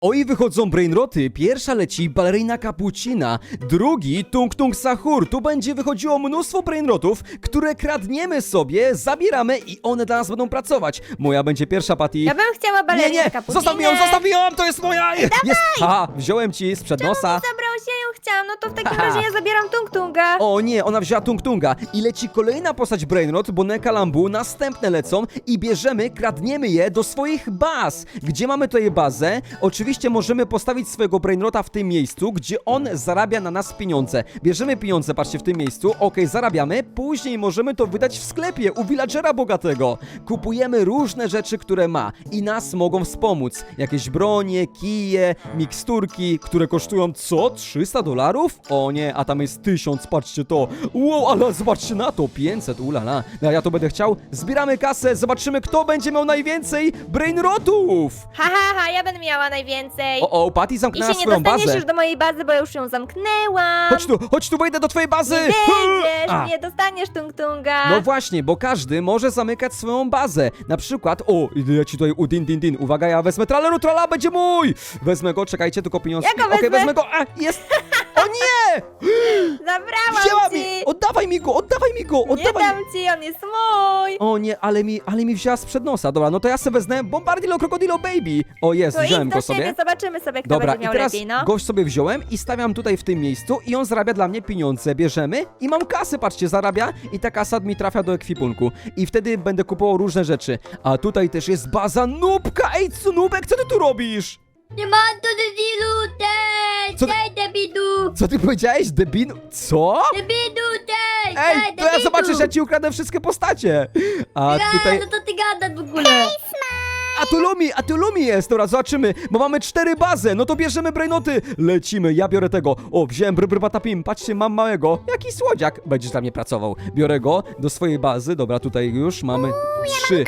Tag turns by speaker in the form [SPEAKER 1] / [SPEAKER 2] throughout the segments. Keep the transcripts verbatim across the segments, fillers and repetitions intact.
[SPEAKER 1] Oj, wychodzą brainroty. Pierwsza leci balerina Cappuccina, drugi Tung Tung Sahur. Tu będzie wychodziło mnóstwo brainrotów, które kradniemy sobie, zabieramy i one dla nas będą pracować. Moja będzie pierwsza, Patty.
[SPEAKER 2] Ja bym chciała
[SPEAKER 1] Nie,
[SPEAKER 2] balerinę
[SPEAKER 1] nie,
[SPEAKER 2] Cappuccinę.
[SPEAKER 1] zostaw mi ją, zostaw mi ją, to jest moja! Jest! Ha, wziąłem ci sprzed nosa.
[SPEAKER 2] Zabrałeś, ja ją chciałam, no to w takim
[SPEAKER 1] Haha.
[SPEAKER 2] razie ja zabieram Tung Tunga.
[SPEAKER 1] O nie, ona wzięła Tung Tunga i leci kolejna postać Brainrot, Boneka Lambu, następne lecą i bierzemy, kradniemy je do swoich baz. Gdzie mamy tutaj bazę? Oczywiście możemy postawić swojego Brainrota w tym miejscu, gdzie on zarabia na nas pieniądze. Bierzemy pieniądze, patrzcie, w tym miejscu, okej, zarabiamy, później możemy to wydać w sklepie u villagera bogatego. Kupujemy różne rzeczy, które ma i nas mogą wspomóc. Jakieś bronie, kije, miksturki, które kosztują co? trzysta dolarów? O nie, a tam jest tysiąc, patrzcie to. Wow, ale zobaczcie na to, pięćset, ulala. No, ja to będę chciał. Zbieramy kasę, zobaczymy, kto będzie miał najwięcej Brainrotów.
[SPEAKER 2] Ha, ha, ha, ja będę miała najwięcej.
[SPEAKER 1] O, o, Patty
[SPEAKER 2] I
[SPEAKER 1] zamknęła
[SPEAKER 2] się nie
[SPEAKER 1] swoją
[SPEAKER 2] dostaniesz
[SPEAKER 1] bazę.
[SPEAKER 2] już do mojej bazy, bo ja już ją zamknęłam.
[SPEAKER 1] Chodź tu, chodź tu, wejdę do twojej bazy.
[SPEAKER 2] Nie wejdziesz,
[SPEAKER 1] A.
[SPEAKER 2] nie dostaniesz Tung Tunga.
[SPEAKER 1] No właśnie, bo każdy może zamykać swoją bazę. Na przykład, o, ja ci tutaj u din din din. Uwaga, ja wezmę traleru, trala, będzie mój. Wezmę go, czekajcie, tylko pieniążki.
[SPEAKER 2] Ja go
[SPEAKER 1] Okej,
[SPEAKER 2] wezmę.
[SPEAKER 1] wezmę go. A, jest. O nie!
[SPEAKER 2] Zabrałam
[SPEAKER 1] Wzięła
[SPEAKER 2] ci.
[SPEAKER 1] mi! Oddawaj mi go, oddawaj mi go,
[SPEAKER 2] Nie
[SPEAKER 1] oddawaj
[SPEAKER 2] dam ci, on jest mój.
[SPEAKER 1] O nie, ale mi, ale mi wzięła sprzed nosa. Dobra, no to ja sobie wezmę Bombardilo Crocodilo Baby. O jest,
[SPEAKER 2] To
[SPEAKER 1] wziąłem
[SPEAKER 2] idź
[SPEAKER 1] go
[SPEAKER 2] do siebie,
[SPEAKER 1] sobie.
[SPEAKER 2] zobaczymy sobie, kto
[SPEAKER 1] Dobra,
[SPEAKER 2] będzie
[SPEAKER 1] i
[SPEAKER 2] miał
[SPEAKER 1] teraz
[SPEAKER 2] lepiej, no.
[SPEAKER 1] gość sobie wziąłem i stawiam tutaj w tym miejscu i on zarabia dla mnie pieniądze. Bierzemy i mam kasę, patrzcie, zarabia i ta kasa mi trafia do ekwipunku. I wtedy będę kupował różne rzeczy. A tutaj też jest baza Nubka. Ej, co Nubek, co ty tu robisz?
[SPEAKER 3] Nie ma to debilu, te,
[SPEAKER 1] Co ty-
[SPEAKER 3] te debilu,
[SPEAKER 1] Co ty powiedziałeś, debin? Co?
[SPEAKER 3] debilu, te,
[SPEAKER 1] Ej,
[SPEAKER 3] te,
[SPEAKER 1] to ja
[SPEAKER 3] debilu.
[SPEAKER 1] zobaczę, że ja ci ukradę wszystkie postacie. A
[SPEAKER 3] Ja,
[SPEAKER 1] tutaj...
[SPEAKER 3] no to ty gadasz w ogóle.
[SPEAKER 1] A tu Lumi, a tu Lumi jest, dobra, zobaczymy, bo mamy cztery bazy, no to bierzemy brainoty, lecimy, ja biorę tego, o, wziąłem br, br patapim, patrzcie, mam małego, jaki słodziak, będziesz dla mnie pracował, biorę go do swojej bazy, dobra, tutaj już mamy trzy,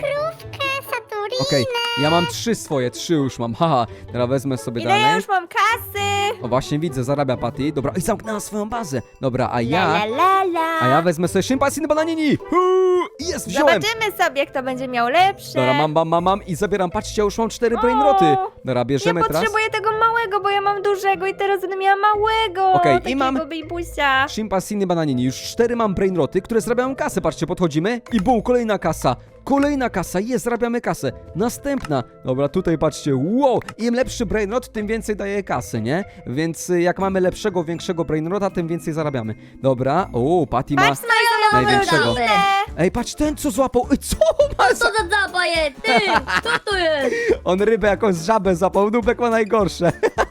[SPEAKER 3] Satury.
[SPEAKER 1] okej, ja mam trzy swoje, trzy już mam, haha, teraz wezmę sobie
[SPEAKER 2] Ile ja
[SPEAKER 1] dalej,
[SPEAKER 2] już mam kasy.
[SPEAKER 1] o właśnie widzę, zarabia Patty, dobra, i zamknęła swoją bazę, dobra, a
[SPEAKER 2] La,
[SPEAKER 1] ja,
[SPEAKER 2] la, la, la.
[SPEAKER 1] a ja wezmę sobie szympansiny bananini, Huu, jest, wziąłem.
[SPEAKER 2] Zobaczymy sobie, kto będzie miał lepsze.
[SPEAKER 1] Dobra, mam, mam, mam, mam i zabieram, patrzcie, ja już mam cztery brainroty. Dobra,
[SPEAKER 2] Nie
[SPEAKER 1] bierzemy teraz.
[SPEAKER 2] potrzebuję tego małego, bo ja mam dużego i teraz będę miała małego.
[SPEAKER 1] Okej, i
[SPEAKER 2] takiego
[SPEAKER 1] mam-
[SPEAKER 2] babybusia.
[SPEAKER 1] Shimpansiny bananini, już cztery mam brainroty, które zarabiają kasę, patrzcie, podchodzimy i bum, kolejna kasa. Kolejna kasa, jest, zarabiamy kasę. Następna. Dobra, tutaj patrzcie, wow, im lepszy brainrot, tym więcej daje kasy, nie? Więc y, jak mamy lepszego, większego brainrota, tym więcej zarabiamy. Dobra, o, Patty ma
[SPEAKER 2] Patrz na moją
[SPEAKER 1] największego.
[SPEAKER 2] rodzinę.
[SPEAKER 1] Ej, patrz, ten co złapał, Ej, co ma
[SPEAKER 3] Co
[SPEAKER 1] za...
[SPEAKER 3] to za zapa jest, ty, co to jest,
[SPEAKER 1] On rybę jakąś żabę zapał, Nubek ma najgorsze.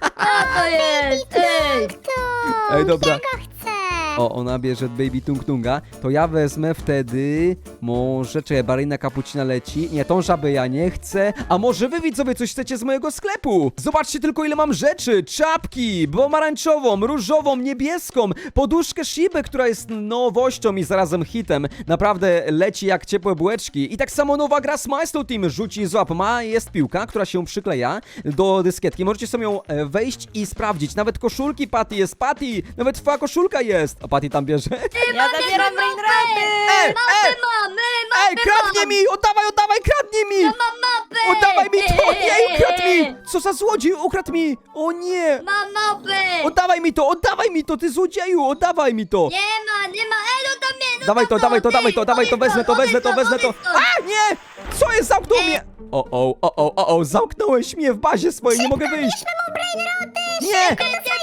[SPEAKER 3] co to jest, ej.
[SPEAKER 1] Ej, dobra.
[SPEAKER 3] chcę.
[SPEAKER 1] O, ona bierze Baby Tung Tunga, to ja wezmę wtedy, może, czy balerina Cappuccina leci, nie, tą żabę ja nie chcę, a może wy widzowie coś chcecie z mojego sklepu? Zobaczcie tylko ile mam rzeczy, czapki, pomarańczową, różową, niebieską, poduszkę Shibę, która jest nowością i zarazem hitem, naprawdę leci jak ciepłe bułeczki i tak samo nowa gra Smile Team, rzuci złap, ma, jest piłka, która się przykleja do dyskietki, możecie sobie ją e, wejść i sprawdzić, nawet koszulki Patty jest, Patty, nawet twoja koszulka jest, a Patty tam bierze.
[SPEAKER 2] Ja zabieram brainroty.
[SPEAKER 1] Ej, ej,
[SPEAKER 3] Mamy,
[SPEAKER 1] ej, kradnie mi! Oddawaj, oddawaj, kradnie mi!
[SPEAKER 3] Mam mapę.
[SPEAKER 1] Oddawaj mi to! Nie, ukradł mi! Co za złodziej, ukradł mi! O nie!
[SPEAKER 3] Mam mapę.
[SPEAKER 1] Oddawaj mi to, oddawaj mi to, ty złodzieju, oddawaj mi to!
[SPEAKER 3] Nie ma, nie ma, ej, no tam nie, no
[SPEAKER 1] Dawaj to,
[SPEAKER 3] tam
[SPEAKER 1] dawaj to,
[SPEAKER 3] ty,
[SPEAKER 1] dawaj to, dawaj to, wezmę to, wezmę to, wezmę to! A, nie! Co jest, zamknął mnie! O, o, o, o, o, o, zamknąłeś mnie w bazie swojej, nie mogę wyjść! Nie!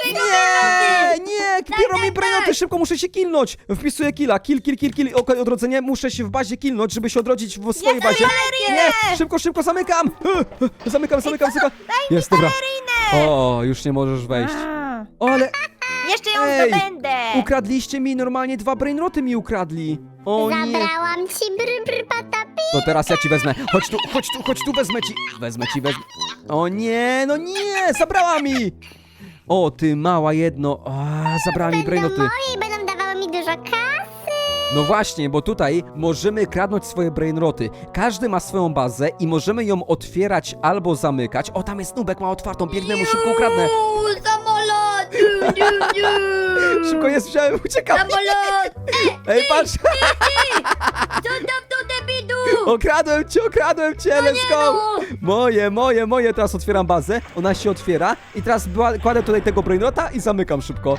[SPEAKER 1] Nie, nie, biorą mi brainoty, szybko muszę się kilnąć. Wpisuję killa, kill, kill, kill, kill, okej, odrodzenie, muszę się w bazie kilnąć, żeby się odrodzić w swojej bazie. Nie, szybko, szybko, zamykam. Zamykam, zamykam, zamykam. Jest, dobra. O, już nie możesz wejść.
[SPEAKER 2] A,
[SPEAKER 1] O, ale
[SPEAKER 2] Jeszcze ją
[SPEAKER 1] Ej,
[SPEAKER 2] zdobędę.
[SPEAKER 1] ukradliście mi normalnie dwa brainroty mi ukradli. O nie.
[SPEAKER 3] Zabrałam ci br, br, patapi.
[SPEAKER 1] To teraz ja ci wezmę. Chodź tu, chodź tu, chodź tu, wezmę ci. Wezmę ci, wezmę. O nie, no nie, zabrała mi. O, ty mała jedno. A, zabrała mi brainoty.
[SPEAKER 3] I będą dawały mi dużo kasy.
[SPEAKER 1] No właśnie, bo tutaj możemy kradnąć swoje brainroty. Każdy ma swoją bazę i możemy ją otwierać albo zamykać. O, tam jest Nubek, ma otwartą, biegnę mu, szybko ukradnę.
[SPEAKER 3] Uuu, samolot. Dziu, dziu, dziu.
[SPEAKER 1] Szybko jest, wziąłem, uciekam.
[SPEAKER 3] Samolot.
[SPEAKER 1] Ej, patrz,
[SPEAKER 3] Co tam to debidu?
[SPEAKER 1] okradłem cię, okradłem cię, let's go.
[SPEAKER 3] no.
[SPEAKER 1] Moje, moje, moje, teraz otwieram bazę, ona się otwiera i teraz była, kładę tutaj tego brainrota i zamykam szybko.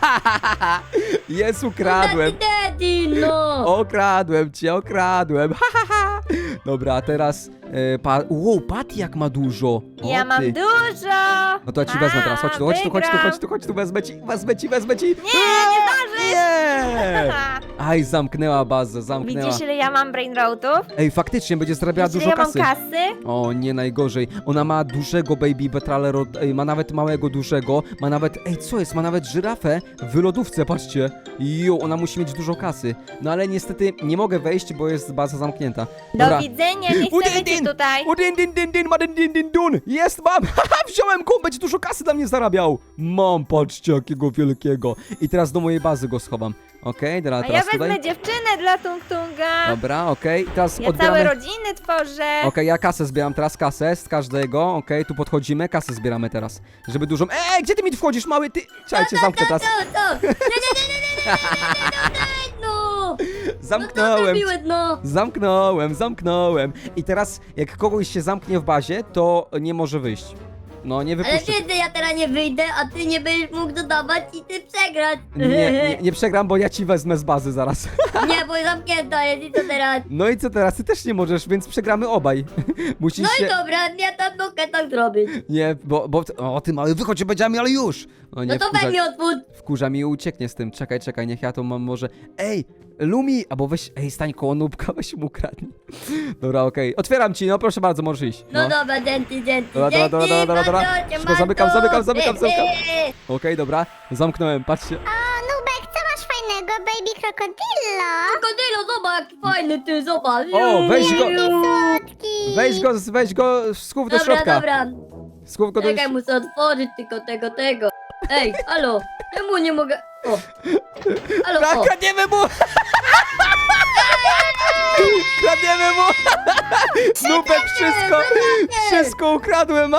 [SPEAKER 1] Jest, ukradłem.
[SPEAKER 3] Daddy, daddy, no.
[SPEAKER 1] Okradłem cię, okradłem. Dobra, a teraz e, pa... Wow, Patty jak ma dużo. O,
[SPEAKER 2] Ja mam
[SPEAKER 1] ty.
[SPEAKER 2] dużo.
[SPEAKER 1] No to ja ci wezmę teraz, chodź tu, chodź tu, chodź tu,
[SPEAKER 2] wygram.
[SPEAKER 1] chodź tu, chodź tu, wezmę ci, wezmę ci, wezmę ci.
[SPEAKER 2] Nie, nie zdążysz.
[SPEAKER 1] Nie! Aj, zamknęła bazę, zamknęła.
[SPEAKER 2] Widzisz, ile ja mam brainrotów?
[SPEAKER 1] Ej, faktycznie, będzie zarabiała
[SPEAKER 2] Widzisz,
[SPEAKER 1] dużo
[SPEAKER 2] ile ja mam
[SPEAKER 1] kasy.
[SPEAKER 2] kasy?
[SPEAKER 1] O, nie najgorzej. Ona ma dużego baby betralero, ej, ma nawet małego, dużego, ma nawet, ej, co jest, ma nawet żyrafę w lodówce, patrzcie. Jo, ona musi mieć dużo kasy. No ale niestety nie mogę wejść, bo jest baza zamknięta.
[SPEAKER 2] Do widzenia, nie
[SPEAKER 1] Udin,
[SPEAKER 2] chcemy cię
[SPEAKER 1] din.
[SPEAKER 2] tutaj.
[SPEAKER 1] Udin, din, din, din, ma din, din, din, dun. Jest, mam! Haha, wziąłem go, będzie dużo kasy dla mnie zarabiał. Mam, patrzcie, jakiego wielkiego. I teraz do mojej bazy go schowam. Okej, dobra,
[SPEAKER 2] A ja
[SPEAKER 1] teraz
[SPEAKER 2] wezmę
[SPEAKER 1] tutaj.
[SPEAKER 2] dziewczynę dla Tung Tunga.
[SPEAKER 1] Dobra, okej, teraz
[SPEAKER 2] Ja
[SPEAKER 1] odbieramy.
[SPEAKER 2] całe rodziny tworzę.
[SPEAKER 1] Okej, ja kasę zbieram teraz, kasę z każdego, okej, tu podchodzimy, kasę zbieramy teraz, żeby dużą... Ej, gdzie ty mi tu wchodzisz, mały, ty... Czekajcie, zamknę teraz,
[SPEAKER 3] To, to. Nie, nie, nie, nie, nie, nie, nie, nie, no. No to
[SPEAKER 1] zamknąłem,
[SPEAKER 3] zrobiłeś, no.
[SPEAKER 1] zamknąłem, zamknąłem. I teraz, jak kogoś się zamknie w bazie, to nie może wyjść. No, nie
[SPEAKER 3] Ale
[SPEAKER 1] wypuszczę.
[SPEAKER 3] wiedzę, ja teraz nie wyjdę, a ty nie będziesz mógł dodawać i ty przegrać.
[SPEAKER 1] Nie, nie, nie przegram, bo ja ci wezmę z bazy zaraz.
[SPEAKER 3] Nie, bo zamknięta jest i co teraz?
[SPEAKER 1] No i co teraz? Ty też nie możesz, więc przegramy obaj. Musisz
[SPEAKER 3] No
[SPEAKER 1] się...
[SPEAKER 3] i dobra, ja tam mogę tak zrobić.
[SPEAKER 1] Nie, bo, bo... O, ty mały, wychodź, będziemy, ale już! O, nie,
[SPEAKER 3] No to
[SPEAKER 1] wkurza-
[SPEAKER 3] weź mi otwórz.
[SPEAKER 1] Wkurza mi i ucieknie z tym. Czekaj, czekaj, niech ja to mam może... Ej, Lumi! Albo weź... Ej, stań koło Nubka, weź mu ukradnij. Dobra, okej. Otwieram ci, no proszę bardzo, możesz iść.
[SPEAKER 3] No dobra, dzięki, dzięki,
[SPEAKER 1] Dobra, dobra, dobra,
[SPEAKER 3] dzięki,
[SPEAKER 1] dobra, dobra.
[SPEAKER 3] bardzo cię,
[SPEAKER 1] Szybko zamykam,
[SPEAKER 3] Mandu.
[SPEAKER 1] zamykam, zamykam, zamykam.
[SPEAKER 3] Eee,
[SPEAKER 1] Okej, dobra, zamknąłem, patrzcie.
[SPEAKER 4] O, Nubek, co masz fajnego, baby krokodillo?
[SPEAKER 3] Krokodylo, zobacz, fajny ty, zobacz.
[SPEAKER 1] O, weź go,
[SPEAKER 4] Słodki.
[SPEAKER 1] weź go, weź go, schów do
[SPEAKER 3] Dobra,
[SPEAKER 1] środka.
[SPEAKER 3] dobra,
[SPEAKER 1] Schów go do...
[SPEAKER 3] czekaj, muszę otworzyć tylko tego, tego. Ej, halo, czemu nie mogę... O, halo,
[SPEAKER 1] Kra-
[SPEAKER 3] o.
[SPEAKER 1] Kradniemy mu! Kradniemy mu! Nubek, wszystko, wszystko ukradłem.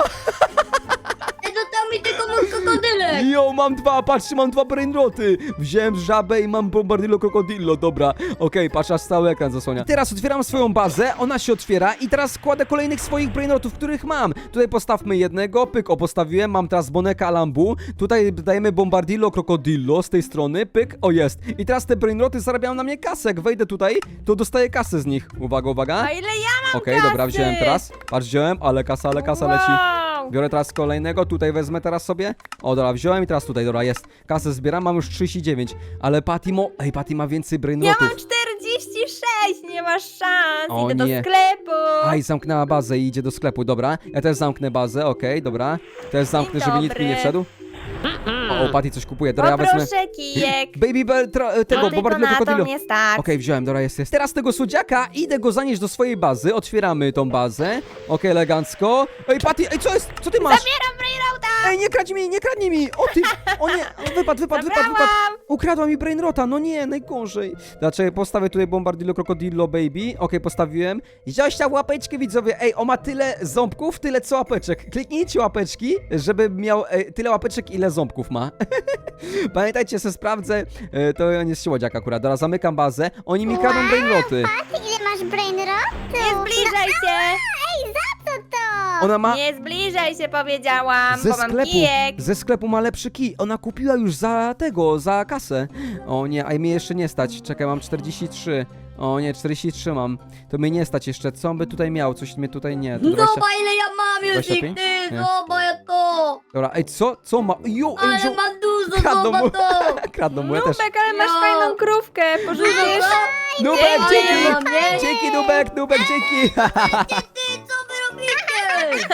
[SPEAKER 3] Ej, został mi tylko mój krokodylek.
[SPEAKER 1] Jo, mam dwa, patrzcie, mam dwa brainroty. Wziąłem żabę i mam bombardillo krokodillo, dobra. Okej, patrz, aż cały ekran zasłania. I teraz otwieram swoją bazę, ona się otwiera i teraz składę kolejnych swoich brainrotów, których mam. Tutaj postawmy jednego, pyk, o, postawiłem, mam teraz boneka lambu. Tutaj dajemy bombardillo krokodillo z tej strony, pyk, o, jest. I teraz te brainroty zarabiają na mnie kasę. Jak wejdę tutaj, to dostaję kasę z nich. Uwaga, uwaga.
[SPEAKER 2] A ile ja mam
[SPEAKER 1] Okej,
[SPEAKER 2] kasy?
[SPEAKER 1] dobra, wziąłem teraz. Patrz, wziąłem, ale kasa, ale kasa leci.
[SPEAKER 2] Wow.
[SPEAKER 1] Biorę teraz kolejnego, tutaj wezmę teraz sobie. O, dobra, wziąłem i teraz tutaj, dobra, jest. Kasę zbieram, mam już trzydzieści dziewięć. Ale Patty mo... Ej, Patty ma więcej
[SPEAKER 2] Ja
[SPEAKER 1] brainrotów.
[SPEAKER 2] mam czterdzieści sześć, nie masz szans.
[SPEAKER 1] O
[SPEAKER 2] Idę
[SPEAKER 1] nie.
[SPEAKER 2] do sklepu.
[SPEAKER 1] Aj, zamknęła bazę i idzie do sklepu, dobra. Ja też zamknę bazę, okej, dobra. Też zamknę, żeby nikt mi nie
[SPEAKER 2] dobry.
[SPEAKER 1] wszedł. O, o, Patty coś kupuje, dobra, ja wezmę...
[SPEAKER 2] Poproszę kijek.
[SPEAKER 1] Baby Bell, tra- tego,
[SPEAKER 2] No tylko
[SPEAKER 1] bombardillo
[SPEAKER 2] na to
[SPEAKER 1] krokodillo.
[SPEAKER 2] mnie stać.
[SPEAKER 1] Okej, wziąłem, dobra, jest, jest. Teraz tego słodziaka, idę go zanieść do swojej bazy, otwieramy tą bazę. Okej, elegancko. Ej, Patty, ej, co jest? Co ty masz?
[SPEAKER 2] Zabieram brainrota.
[SPEAKER 1] Ej, nie kradź mi, nie kradnij mi! O ty! O nie! Wypadł, wypadł, wypadł, wypadł!
[SPEAKER 2] Zabrałam.
[SPEAKER 1] Ukradła mi brainrota, no nie, najgorzej. Dlaczego postawię tutaj bombardillo krokodillo baby? Okej, postawiłem. Zosia, łapeczki widzowie. Ej, on ma tyle ząbków, tyle co łapeczek. Kliknijcie łapeczki, żeby miał e, tyle łapeczek, ile ząbków ma. Pamiętajcie, se sprawdzę. E, to on jest słodziak akurat. Dobra, zamykam bazę. Oni mi kradną brainroty.
[SPEAKER 4] Ty ile masz brainrotów?
[SPEAKER 2] Nie zbliżaj się.
[SPEAKER 4] Ej, za co to?
[SPEAKER 1] Ona ma...
[SPEAKER 2] Nie zbliżaj się, powiedziałam,
[SPEAKER 1] Ze
[SPEAKER 2] bo mam
[SPEAKER 1] sklepu,
[SPEAKER 2] kijek.
[SPEAKER 1] ze sklepu ma lepszy kij. Ona kupiła już za tego, za kasę. O nie, a mnie jeszcze nie stać. Czekaj, mam czterdzieści trzy. O nie, czterdzieści trzy mam. To mnie nie stać jeszcze. Co on by tutaj miał? Coś mnie tutaj nie. To dwadzieścia...
[SPEAKER 3] Zobacz ile ja mam już
[SPEAKER 1] dwadzieścia
[SPEAKER 3] ich,
[SPEAKER 1] pięć?
[SPEAKER 3] ty,
[SPEAKER 1] Nie.
[SPEAKER 3] zobacz to.
[SPEAKER 1] Dobra, ej, co? Co ma? Jo, ej,
[SPEAKER 3] Ale
[SPEAKER 1] wziął...
[SPEAKER 3] mam dużo,
[SPEAKER 1] Kradną mu.
[SPEAKER 3] zobacz to.
[SPEAKER 1] Kradną mu, ja też.
[SPEAKER 2] Nubek, ale masz
[SPEAKER 3] No.
[SPEAKER 2] fajną krówkę. Pożyczesz?
[SPEAKER 1] Nubek,
[SPEAKER 3] Ej,
[SPEAKER 1] dzięki!
[SPEAKER 3] mam, nie?
[SPEAKER 1] Dzięki, Nubek, Nubek, dzięki!
[SPEAKER 3] Ty, co wy robicie?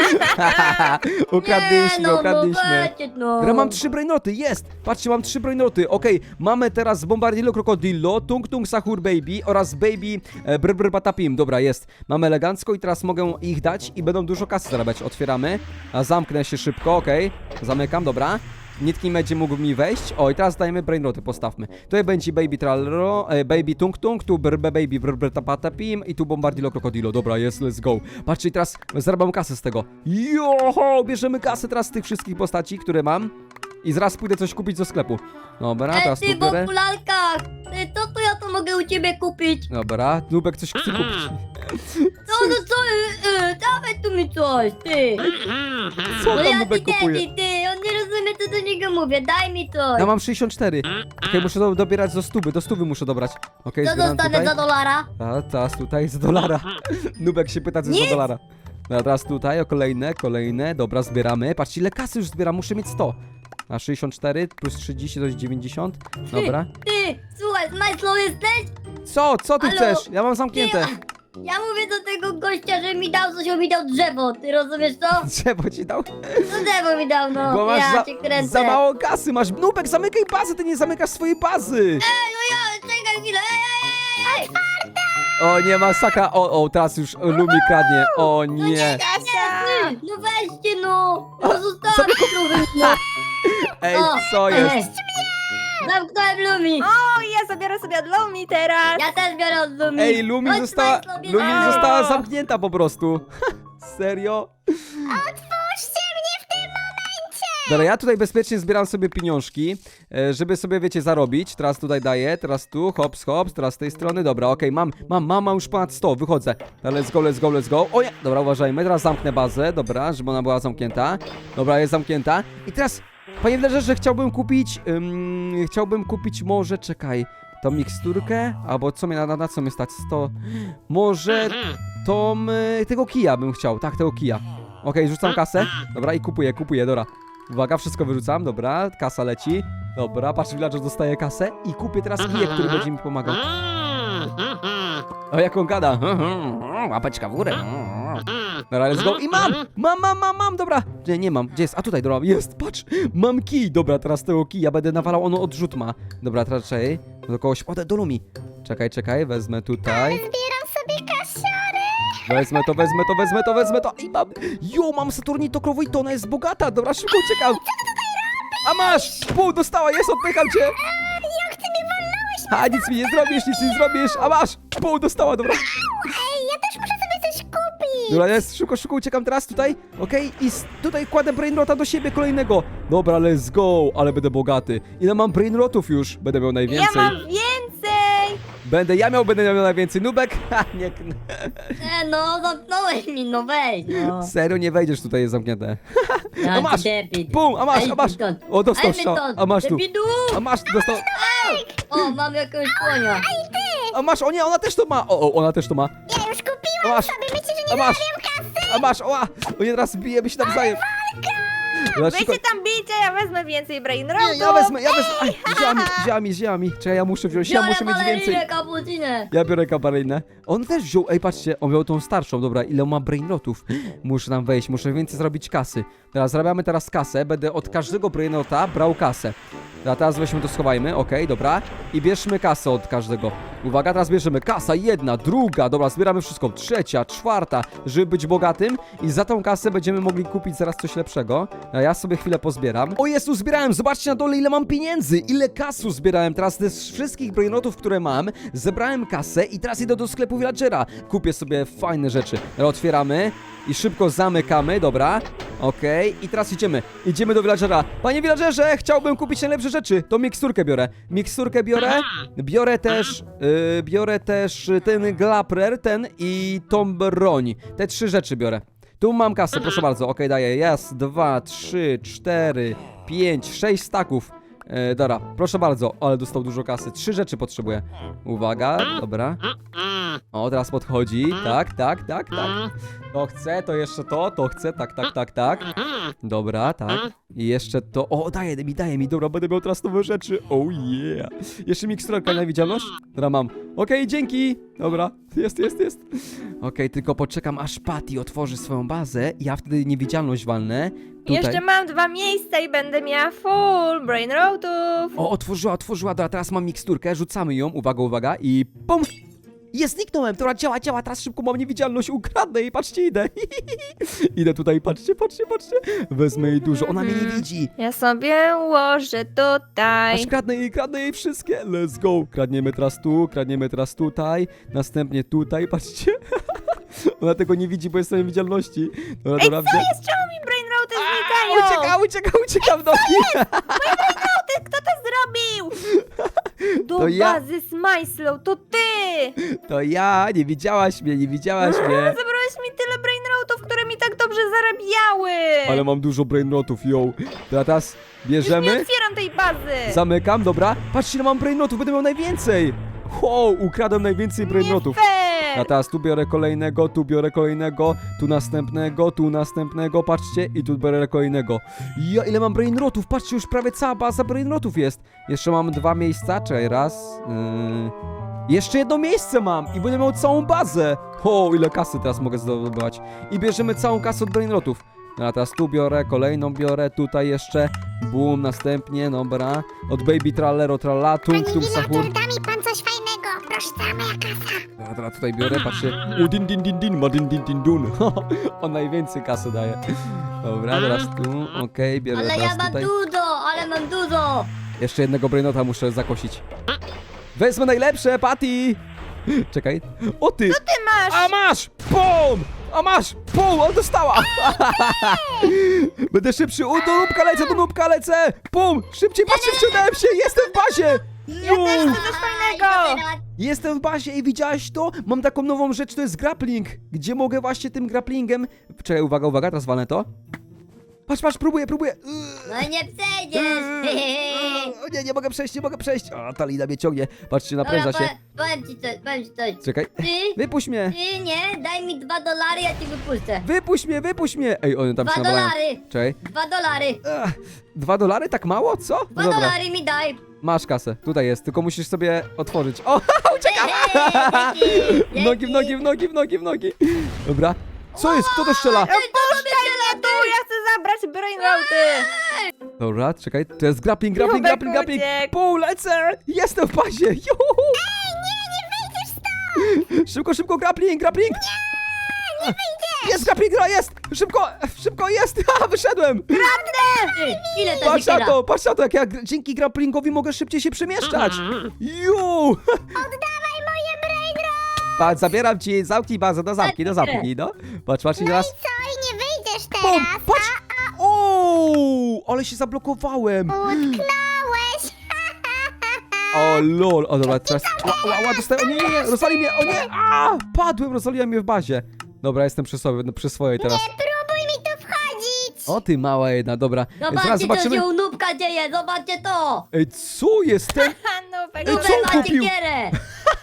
[SPEAKER 1] Ukradliśmy,
[SPEAKER 3] Nie, no,
[SPEAKER 1] ukradliśmy.
[SPEAKER 3] No, weźcie, no.
[SPEAKER 1] Dobra, mam trzy brainoty, jest! Patrzcie, mam trzy brainoty. Okej, mamy teraz bombardillo krokodillo, tung tung sahur baby oraz baby e, brr brr patapim. Dobra, jest. Mamy elegancko i teraz mogę ich dać i będą dużo kasy zarabiać. Otwieramy. A zamknę się szybko, okej. Zamykam, dobra. Nikt nie będzie mógł mi wejść. O, i teraz dajemy brainroty, postawmy. Tutaj będzie baby trallero, e, baby tung tung, tu brr baby brr brr patapim i tu bombardillo krokodillo. Dobra, jest, let's go. Patrzcie, i teraz zarabiam kasę z tego. Joho, bierzemy kasę teraz z tych wszystkich postaci, które mam. I zaraz pójdę coś kupić do sklepu. Dobra,
[SPEAKER 3] Ej,
[SPEAKER 1] teraz
[SPEAKER 3] ty,
[SPEAKER 1] tu
[SPEAKER 3] w
[SPEAKER 1] biorę.
[SPEAKER 3] okularkach. Ty, co to ja to mogę u ciebie kupić?
[SPEAKER 1] Dobra, Nubek coś chce kupić.
[SPEAKER 3] Co no co, y, y, dawaj tu mi coś, ty.
[SPEAKER 1] Co
[SPEAKER 3] No
[SPEAKER 1] tam
[SPEAKER 3] ja
[SPEAKER 1] Nubek
[SPEAKER 3] ty,
[SPEAKER 1] kupuje?
[SPEAKER 3] ty, ty, on nie rozumie, co do niego mówię, daj mi coś.
[SPEAKER 1] Ja mam sześćdziesiąt cztery. Okej, muszę do, dobierać do stówy, do stówy muszę dobrać. Okej,
[SPEAKER 3] Co
[SPEAKER 1] zbieram
[SPEAKER 3] dostanę
[SPEAKER 1] tutaj.
[SPEAKER 3] za dolara?
[SPEAKER 1] A, teraz tutaj za dolara. Nubek się pyta, co jest za dolara. Dobra, teraz tutaj, o kolejne, kolejne. Dobra, zbieramy. Patrzcie, ile kasy już zbieram, muszę mieć sto. A sześćdziesiąt cztery plus trzydzieści to jest dziewięćdziesiąt. Dobra.
[SPEAKER 3] Ty, słuchaj, Smajslow jesteś?
[SPEAKER 1] Co? Co ty
[SPEAKER 3] Halo?
[SPEAKER 1] chcesz? Ja mam zamknięte.
[SPEAKER 3] Ja mówię do tego gościa, że mi dał coś, on mi dał drzewo, ty rozumiesz to?
[SPEAKER 1] Drzewo ci dał?
[SPEAKER 3] No drzewo mi dał, no,
[SPEAKER 1] Bo masz
[SPEAKER 3] ja
[SPEAKER 1] za,
[SPEAKER 3] cię kręcę.
[SPEAKER 1] za mało kasy, masz. Nubek, zamykaj bazę, ty nie zamykasz swojej bazy.
[SPEAKER 3] Ej, no ja, czekaj chwilę, ej, ej, ej, ej.
[SPEAKER 1] O nie, masakra. O, o, teraz już Lumi kradnie. O nie.
[SPEAKER 2] Kasia!
[SPEAKER 3] Ty, no weźcie no, no zostawcie trochę, no.
[SPEAKER 1] Ej,
[SPEAKER 3] O,
[SPEAKER 1] co jest?
[SPEAKER 3] ej. Zamknąłem Lumi.
[SPEAKER 2] O, ja zabiorę sobie od Lumi teraz!
[SPEAKER 3] Ja też biorę od Lumi.
[SPEAKER 1] Ej, Lumi
[SPEAKER 3] Chodź,
[SPEAKER 1] została,
[SPEAKER 3] Smajslow,
[SPEAKER 1] Lumi
[SPEAKER 3] bierzemy.
[SPEAKER 1] została zamknięta po prostu. Serio?
[SPEAKER 4] Otwórzcie mnie w tym momencie!
[SPEAKER 1] Dobra, ja tutaj bezpiecznie zbieram sobie pieniążki, e, żeby sobie, wiecie, zarobić. Teraz tutaj daję, teraz tu, hops, hops, teraz z tej strony. Dobra, okej, mam, mam, mam, mam już ponad sto, wychodzę. Dobra, let's go, let's go, let's go. O nie, dobra, uważajmy, teraz zamknę bazę, dobra, żeby ona była zamknięta. Dobra, jest zamknięta. I teraz, panie Wlerze, chciałbym kupić, ym, chciałbym kupić może, czekaj, tą miksturkę, albo co mnie, na, na, na co mnie stać, sto, może tą, y, tego kija bym chciał, tak, tego kija. Okej, rzucam kasę, dobra, i kupuję, kupuję, dobra. Uwaga, wszystko wyrzucam, dobra, kasa leci. Dobra, patrz, villager dostaje kasę i kupię teraz kijek, który będzie mi pomagał. O, jak on gada. Łapeczka w górę. Dobra, let's go. I mam! Mam, mam, mam, mam, dobra. Nie, nie mam. Gdzie jest? A tutaj, dobra, jest, patrz. Mam kij. Dobra, teraz tego kija będę nawalał, ono odrzut ma. Dobra, teraz czekaj. Do kogoś, o, do Lumi. Czekaj, czekaj, wezmę tutaj.
[SPEAKER 4] Zbieram sobie kasiory!
[SPEAKER 1] Wezmę to, wezmę to, wezmę to, wezmę to. I mam. Jo, mam Saturnito krową i to ona jest bogata. Dobra, szybko uciekam. A masz! Pół dostała, jest, odpycham cię!
[SPEAKER 4] Jak ty mnie walnąłeś?
[SPEAKER 1] A nic mi nie zrobisz, nic nie zrobisz! A masz! Pół dostała, dobra.
[SPEAKER 4] Ej, ja też muszę sobie coś kupić!
[SPEAKER 1] Dobra, jest, szybko, szybko uciekam teraz tutaj, okej? I s- tutaj kładę brainrota do siebie kolejnego. Dobra, let's go, ale będę bogaty. Ile mam brainrotów już? Będę miał
[SPEAKER 2] Ja
[SPEAKER 1] najwięcej.
[SPEAKER 2] mam więcej!
[SPEAKER 1] Będę, ja miał, będę miał najwięcej. Nubek? Ha, nie,
[SPEAKER 3] E, no, zamknąłeś mi, no weź, no.
[SPEAKER 1] serio, nie wejdziesz, tutaj jest zamknięte.
[SPEAKER 3] Ja
[SPEAKER 1] A masz!
[SPEAKER 3] debil.
[SPEAKER 1] Bum, a masz,
[SPEAKER 3] Ej,
[SPEAKER 1] a masz!
[SPEAKER 3] stąd.
[SPEAKER 1] O, dostał
[SPEAKER 3] Ej,
[SPEAKER 1] strzał,
[SPEAKER 3] stąd.
[SPEAKER 1] a masz tu.
[SPEAKER 3] Debilu.
[SPEAKER 1] A masz, dostał,
[SPEAKER 3] O, mam jakiegoś słonia.
[SPEAKER 1] a masz, o nie, ona też to ma. O, o, ona też to ma.
[SPEAKER 4] Ja już
[SPEAKER 1] A
[SPEAKER 4] kupiłam
[SPEAKER 1] masz,
[SPEAKER 4] sobie, myślicie, że
[SPEAKER 1] a
[SPEAKER 4] nie
[SPEAKER 1] masz,
[SPEAKER 4] zarabiam kasy?
[SPEAKER 1] a masz, oła! O nie, teraz bijemy się nawzajem. Dobra,
[SPEAKER 2] Wy
[SPEAKER 1] szybko-
[SPEAKER 2] się tam bijcie, ja wezmę więcej
[SPEAKER 1] Nie,
[SPEAKER 2] brainrotów!
[SPEAKER 1] ja wezmę, ja wezmę. Aj, wzięła mi, wzięła mi, wzięła mi. Czekaj, ja muszę wziąć, ja
[SPEAKER 3] Biorę
[SPEAKER 1] muszę mieć więcej.
[SPEAKER 3] balerinę, kapucinę.
[SPEAKER 1] Ja biorę kabarynę. On też wziął, ej patrzcie, on wziął tą starszą, dobra, ile ma brainrotów. Muszę tam wejść, muszę więcej zrobić kasy. Teraz zarabiamy teraz kasę, będę od każdego brainrota brał kasę. Dobra, teraz weźmy to, schowajmy, okej, dobra. I bierzmy kasę od każdego. Uwaga, teraz bierzemy kasa, jedna, druga, dobra, zbieramy wszystko, trzecia, czwarta, żeby być bogatym. I za tą kasę będziemy mogli kupić zaraz coś lepszego. A ja sobie chwilę pozbieram. O Jezu, zbierałem, zobaczcie na dole, ile mam pieniędzy, ile kasu zbierałem. Teraz z wszystkich brainrotów, które mam, zebrałem kasę i teraz idę do sklepu villagera. Kupię sobie fajne rzeczy. Dobra, otwieramy i szybko zamykamy, dobra. Okej, i teraz idziemy. Idziemy do villagera. Panie villagerze, chciałbym kupić najlepsze rzeczy. To miksturkę biorę. Miksturkę biorę. Biorę też, yy, biorę też y, ten glaprer, ten i tą broń. Te trzy rzeczy biorę. Tu mam kasę, proszę bardzo. Okej, daję. Jest, dwa, trzy, cztery, pięć, sześć staków. E, dobra, proszę bardzo, ale dostał dużo kasy. Trzy rzeczy potrzebuję. Uwaga, dobra. O, teraz podchodzi. Tak, tak, tak, tak. To chcę, to jeszcze to, to chcę, tak, tak, tak, tak. Dobra, tak. I jeszcze to. O, daje mi, daje mi. Dobra, będę miał teraz nowe rzeczy. Oh yeah. Jeszcze miksturka na widzialność? Dobra, mam. Okej, dzięki. Dobra, jest, jest, jest. Okej, tylko poczekam, aż Patty otworzy swoją bazę. I ja wtedy niewidzialność walnę. Tutaj.
[SPEAKER 2] Jeszcze mam dwa miejsca i będę miała full brainrotów!
[SPEAKER 1] O, otworzyła, otworzyła, dobra, teraz mam miksturkę, rzucamy ją, uwaga, uwaga i pum! Jest, zniknąłem, dobra, działa, działa, teraz szybko mam niewidzialność, ukradnę jej, patrzcie, idę. Idę tutaj, patrzcie, patrzcie, patrzcie. Wezmę jej dużo, ona mnie nie widzi.
[SPEAKER 2] Ja sobie ułożę tutaj.
[SPEAKER 1] Aż kradnę jej, kradnę jej wszystkie, let's go. Kradniemy teraz tu, kradniemy teraz tutaj, następnie tutaj, patrzcie. Ona tego nie widzi, bo jest w niewidzialności. Dobra,
[SPEAKER 2] Ej,
[SPEAKER 1] dobra,
[SPEAKER 2] co
[SPEAKER 1] wzię-
[SPEAKER 2] jest? Czemu mi brainroty znikają?
[SPEAKER 1] Ucieka, ucieka, ucieka w nogi.
[SPEAKER 2] Ty, kto to zrobił?
[SPEAKER 1] To ja,
[SPEAKER 2] bazy Smajslow, to ty!
[SPEAKER 1] to ja, nie widziałaś mnie, nie widziałaś mnie.
[SPEAKER 2] Zabrałeś mi tyle brainrotów, które mi tak dobrze zarabiały!
[SPEAKER 1] Ale mam dużo brainrotów, yo. Teraz
[SPEAKER 2] Już nie
[SPEAKER 1] bierzemy,
[SPEAKER 2] otwieram tej bazy!
[SPEAKER 1] zamykam, dobra. Patrzcie, ile mam brainrotów, będę miał najwięcej. Wow, ukradłem najwięcej brainrotów.
[SPEAKER 2] Nie fair!
[SPEAKER 1] A teraz tu biorę kolejnego, tu biorę kolejnego, tu następnego, tu następnego, patrzcie, i tu biorę kolejnego. Ja, ile mam brainrotów, patrzcie, już prawie cała baza brainrotów jest. Jeszcze mam dwa miejsca, czekaj, raz, yy... Jeszcze jedno miejsce mam i będę miał całą bazę. O, ile kasy teraz mogę zdobywać. I bierzemy całą kasę od brainrotów. No a teraz tu biorę, kolejną biorę, tutaj jeszcze, boom, następnie, dobra. Od Baby Trallero Tralla, tung,
[SPEAKER 4] Pani
[SPEAKER 1] tung,
[SPEAKER 4] Villager,
[SPEAKER 1] sahur.
[SPEAKER 4] da mi pan coś fajnego. Proszę, cała moja kasa.
[SPEAKER 1] Dobra, teraz tutaj biorę, patrzcie. U din din din din, ma din din din dun. On najwięcej kasy daje. Dobra, teraz tu, okej, bierę
[SPEAKER 3] Ale
[SPEAKER 1] teraz
[SPEAKER 3] ja mam
[SPEAKER 1] tutaj.
[SPEAKER 3] dużo, ale mam dużo.
[SPEAKER 1] Jeszcze jednego brainota muszę zakosić. Wezmę najlepsze, Patty! Czekaj. O ty!
[SPEAKER 2] Ty masz!
[SPEAKER 1] A masz! Pum! A masz! Pum! On dostała! Będę szybszy! U, do nóbka lecę, do nóbka lecę! Pum! Szybciej, patrzcie, wciągnąłem się! Jestem w bazie!
[SPEAKER 2] Ja też chcę coś fajnego!
[SPEAKER 1] Jestem w bazie i widziałaś to? Mam taką nową rzecz, to jest grappling. Gdzie mogę właśnie tym grapplingiem... Czekaj, uwaga, uwaga, teraz walnę to. Patrz, patrz, próbuję, próbuję.
[SPEAKER 3] No i nie przejdziesz.
[SPEAKER 1] O nie, nie mogę przejść, nie mogę przejść. A, ta lina mnie ciągnie. Patrzcie,
[SPEAKER 3] Dobra,
[SPEAKER 1] napręża się.
[SPEAKER 3] powiem, powiem ci coś, powiem ci coś.
[SPEAKER 1] Czekaj,
[SPEAKER 3] Ty,
[SPEAKER 1] wypuść mnie.
[SPEAKER 3] ty nie, daj mi dwa dolary, ja ci wypuszczę.
[SPEAKER 1] Wypuść mnie, wypuść mnie. Ej, one tam
[SPEAKER 3] Dwa
[SPEAKER 1] się nawalają.
[SPEAKER 3] dolary,
[SPEAKER 1] Czekaj.
[SPEAKER 3] dwa dolary.
[SPEAKER 1] Ach, dwa dolary? Tak mało? Co? No
[SPEAKER 3] Dwa
[SPEAKER 1] dobra,
[SPEAKER 3] dolary mi daj.
[SPEAKER 1] masz kasę. Tutaj jest, tylko musisz sobie otworzyć. O, uciekam!
[SPEAKER 3] Dzięki,
[SPEAKER 1] W nogi, w nogi, w nogi, w nogi, w nogi. Dobra. Co jest? Kto to strzela?
[SPEAKER 2] Puszczaj mnie tu, ja chcę zabrać brainroty!
[SPEAKER 1] Dobra, czekaj, to jest grappling, grappling,
[SPEAKER 2] Nubek
[SPEAKER 1] grappling, grappling.
[SPEAKER 2] uciekł.
[SPEAKER 1] Pół, lecę! Jestem w bazie! Juhu! Szybko, szybko, grappling, grappling! Nie, nie wyjdziesz! Jest grappling, gra, jest! Szybko, szybko, jest! Ha, wyszedłem!
[SPEAKER 3] Ty, ile to
[SPEAKER 1] Patrz na
[SPEAKER 3] wykiera?
[SPEAKER 1] to, patrz na to, jak ja gr- dzięki grapplingowi mogę szybciej się przemieszczać! Ju!
[SPEAKER 4] Oddawaj moje brainrot.
[SPEAKER 1] Patrz, zabieram ci, zamknij bazę, do zamki, do zamki, no. Patrz, patrz i
[SPEAKER 4] No i
[SPEAKER 1] teraz...
[SPEAKER 4] co? I nie wyjdziesz
[SPEAKER 1] Bum,
[SPEAKER 4] teraz.
[SPEAKER 1] patrz! O, ale się zablokowałem!
[SPEAKER 4] Utknąłeś.
[SPEAKER 1] O lol, o dobra, teraz... Ła, ła, ła, dostaję, o nie, nie, nie, rozwali mnie, o nie! A, padłem, rozwaliłem mnie w bazie. Dobra, jestem przy sobie, no, przy swojej teraz.
[SPEAKER 4] Nie próbuj mi tu wchodzić.
[SPEAKER 1] O ty mała jedna, dobra. Zaraz
[SPEAKER 3] Zobaczcie, co
[SPEAKER 1] zobaczymy...
[SPEAKER 3] się u Nubka dzieje, zobaczcie to.
[SPEAKER 1] Ej, co jest ten?
[SPEAKER 2] Ha, Nubek,
[SPEAKER 1] Ej,
[SPEAKER 3] Nubek
[SPEAKER 1] co on
[SPEAKER 3] ma
[SPEAKER 1] kupił?
[SPEAKER 3] siekierę.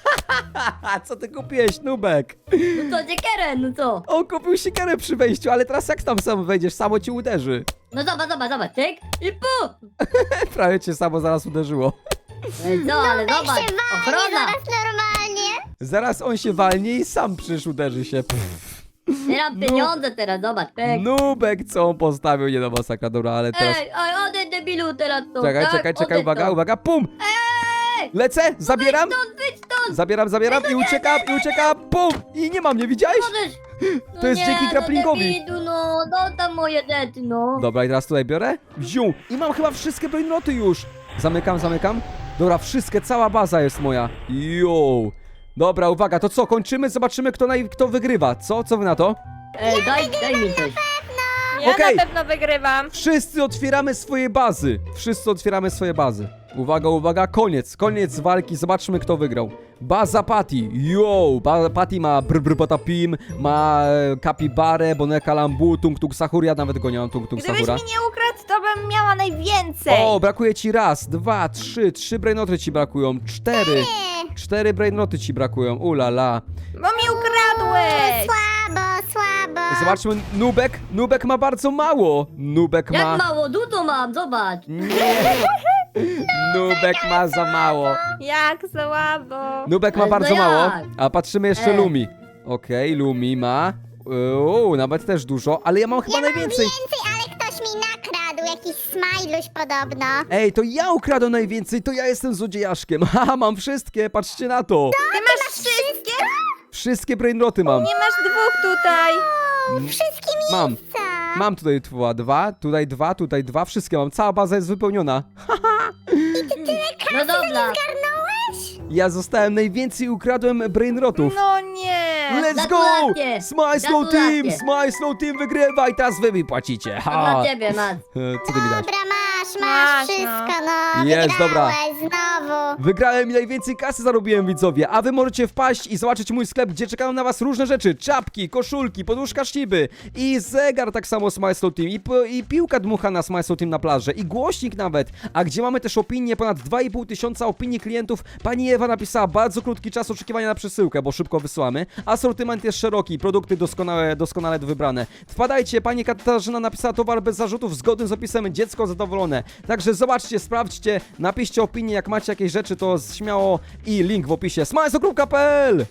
[SPEAKER 1] Haha, co ty kupiłeś, Nubek?
[SPEAKER 3] No co, siekierę, no co?
[SPEAKER 1] On kupił siekierę przy wejściu, ale teraz jak tam sam wejdziesz, samo ci uderzy.
[SPEAKER 3] No zobacz, zobacz, zobacz, tyk i pu.
[SPEAKER 1] Prawie cię samo zaraz uderzyło.
[SPEAKER 3] Ej, co, ale
[SPEAKER 4] Jak
[SPEAKER 3] zobacz,
[SPEAKER 4] się walnie
[SPEAKER 3] ochrona.
[SPEAKER 4] zaraz normalnie.
[SPEAKER 1] Zaraz on się walnie i sam przecież uderzy się. Pff.
[SPEAKER 3] Zbieram pieniądze teraz, zobacz, tyk.
[SPEAKER 1] Nubek, co on postawił, nie do masakra, dobra, ale teraz...
[SPEAKER 3] Ej, ej, odejdź debilu teraz to,
[SPEAKER 1] Czekaj,
[SPEAKER 3] tak?
[SPEAKER 1] czekaj, czekaj,
[SPEAKER 3] Odejdź
[SPEAKER 1] uwaga,
[SPEAKER 3] to.
[SPEAKER 1] uwaga, pum!
[SPEAKER 3] Ej,
[SPEAKER 1] Lecę, zabieram,
[SPEAKER 3] Wyjdź stąd, wyjdź stąd.
[SPEAKER 1] zabieram, zabieram i uciekam, i uciekam, pum! I nie mam mnie, widziałeś?
[SPEAKER 3] Możesz. No
[SPEAKER 1] To jest
[SPEAKER 3] nie,
[SPEAKER 1] dzięki grapplingowi.
[SPEAKER 3] No, debilu, no, no tam moje rzeczy, no.
[SPEAKER 1] Dobra, i teraz tutaj biorę, wziął i mam chyba wszystkie brainroty już. Zamykam, zamykam. Dobra, wszystkie, cała baza jest moja. Jo. Dobra, uwaga, to co, kończymy? Zobaczymy, kto, naj... kto wygrywa. Co? Co wy na to?
[SPEAKER 3] Ej, daj, daj mi coś.
[SPEAKER 2] ja
[SPEAKER 1] Okej.
[SPEAKER 2] na pewno wygrywam.
[SPEAKER 1] Wszyscy otwieramy swoje bazy. Wszyscy otwieramy swoje bazy. Uwaga, uwaga, koniec, koniec walki. Zobaczmy, kto wygrał. Baza Patty. Yo, ba Patty ma brr brr patapim, ma e, kapibarę, boneka lambu, tung tung sahur. Ja nawet go nie mam, tung tung
[SPEAKER 2] Gdybyś
[SPEAKER 1] sahura.
[SPEAKER 2] mi nie ukradł, to bym miała najwięcej.
[SPEAKER 1] O, brakuje ci raz, dwa, trzy, trzy brainoty ci brakują, cztery.
[SPEAKER 4] Nie.
[SPEAKER 1] Cztery brainoty ci brakują, ulala.
[SPEAKER 2] Bo mi ukradłeś.
[SPEAKER 4] Słabo, słabo.
[SPEAKER 1] Zobaczmy, Nubek, Nubek ma bardzo mało. Nubek ma...
[SPEAKER 3] Jak mało, dużo mam, zobacz.
[SPEAKER 1] Nie. Nubek ma za mało.
[SPEAKER 2] Jak słabo.
[SPEAKER 1] Nubek ma
[SPEAKER 3] Ale
[SPEAKER 1] bardzo
[SPEAKER 3] no
[SPEAKER 1] mało,
[SPEAKER 3] jak?
[SPEAKER 1] a patrzymy jeszcze
[SPEAKER 3] E.
[SPEAKER 1] Lumi. Okej, Lumi ma... Uuu, nawet też dużo, ale ja mam chyba
[SPEAKER 4] Ja mam
[SPEAKER 1] najwięcej.
[SPEAKER 4] więcej, ale ktoś mi nakradł. Jakiś smajluś podobno.
[SPEAKER 1] Ej, to ja ukradłem najwięcej, to ja jestem złodziejaszkiem. Haha, mam wszystkie, patrzcie na to.
[SPEAKER 2] Ty masz wszystkie?
[SPEAKER 1] Wszystkie brainroty mam.
[SPEAKER 2] Nie masz dwóch tutaj.
[SPEAKER 4] O, wszystkie
[SPEAKER 1] Mam.
[SPEAKER 4] miejsca.
[SPEAKER 1] Mam tutaj dwa, dwa, tutaj dwa, tutaj dwa, wszystkie mam. Cała baza jest wypełniona.
[SPEAKER 3] No dobra.
[SPEAKER 4] Zgarnąłeś?
[SPEAKER 1] Ja zostałem najwięcej, ukradłem brainrotów.
[SPEAKER 2] No nie.
[SPEAKER 1] Let's go!
[SPEAKER 3] Gratulacje!
[SPEAKER 1] Smile Slow Team!
[SPEAKER 3] Gratulacje!
[SPEAKER 1] Smile Slow Team wygrywa i teraz wy mi płacicie.
[SPEAKER 3] To
[SPEAKER 1] Ha!
[SPEAKER 3] dla ciebie, Mac.
[SPEAKER 1] E, Co ty mi dałeś?
[SPEAKER 4] Dobra, masz, masz
[SPEAKER 2] Masz,
[SPEAKER 4] wszystko, no.
[SPEAKER 1] Jest, dobra.
[SPEAKER 4] Wygrałeś znowu.
[SPEAKER 1] Wygrałem i najwięcej kasy zarobiłem, widzowie, a wy możecie wpaść i zobaczyć mój sklep, gdzie czekają na was różne rzeczy. Czapki, koszulki, poduszka Shiby i zegar tak samo z My Slow Team i, po- i piłka dmuchana z My Slow Team na plaży i głośnik nawet. A gdzie mamy też opinie, ponad dwa i pół tysiąca opinii klientów. Pani Ewa napisała bardzo krótki czas oczekiwania na przesyłkę, bo szybko wysyłamy. Asortyment jest szeroki, produkty doskonałe, doskonale wybrane. Wpadajcie, pani Katarzyna napisała towar bez zarzutów, zgodny z opisem, dziecko zadowolone. Także zobaczcie, sprawdźcie, napiszcie opinię, jak macie jakieś rzeczy, to śmiało i link w opisie. smajso kropka p l